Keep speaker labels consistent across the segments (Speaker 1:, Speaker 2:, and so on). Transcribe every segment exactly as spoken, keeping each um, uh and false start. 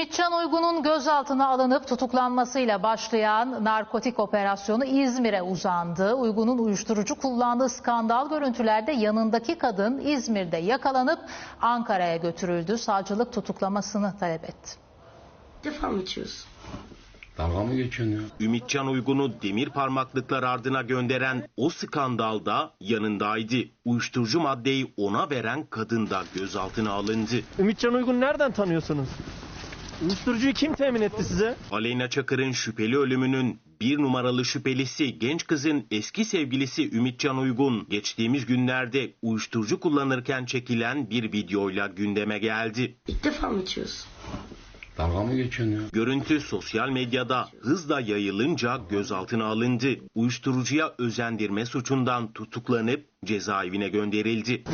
Speaker 1: Ümitcan Uygun'un gözaltına alınıp tutuklanmasıyla başlayan narkotik operasyonu İzmir'e uzandı. Uygun'un uyuşturucu kullandığı skandal görüntülerde yanındaki kadın İzmir'de yakalanıp Ankara'ya götürüldü. Savcılık tutuklamasını talep etti.
Speaker 2: Defa mı içiyorsun?
Speaker 3: Dalga mı geçiyorsun ya?
Speaker 4: Ümitcan Uygun'u demir parmaklıklar ardına gönderen o skandalda yanındaydı. Uyuşturucu maddeyi ona veren kadın da gözaltına alındı.
Speaker 5: Ümitcan Uygun nereden tanıyorsunuz? Uyuşturucuyu kim temin etti size?
Speaker 4: Aleyna Çakır'ın şüpheli ölümünün bir numaralı şüphelisi genç kızın eski sevgilisi Ümitcan Uygun geçtiğimiz günlerde uyuşturucu kullanırken çekilen bir videoyla gündeme geldi.
Speaker 2: İlk defa mı içiyorsun?
Speaker 3: Dalga mı geçiyorsun ya?
Speaker 4: Görüntü sosyal medyada hızla yayılınca gözaltına alındı. Uyuşturucuya özendirme suçundan tutuklanıp cezaevine gönderildi.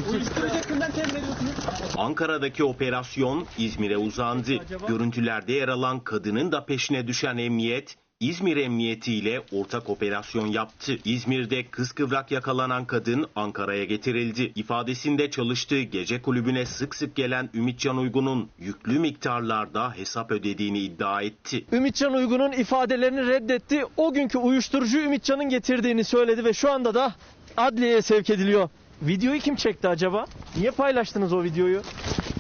Speaker 4: Ankara'daki operasyon İzmir'e uzandı. Görüntülerde yer alan kadının da peşine düşen emniyet, İzmir Emniyeti ile ortak operasyon yaptı. İzmir'de kıskıvrak yakalanan kadın Ankara'ya getirildi. İfadesinde çalıştığı gece kulübüne sık sık gelen Ümitcan Uygun'un yüklü miktarlarda hesap ödediğini iddia etti.
Speaker 5: Ümitcan Uygun'un ifadelerini reddetti. O günkü uyuşturucu Ümitcan'ın getirdiğini söyledi ve şu anda da adliyeye sevk ediliyor. Videoyu kim çekti acaba? Niye paylaştınız o videoyu?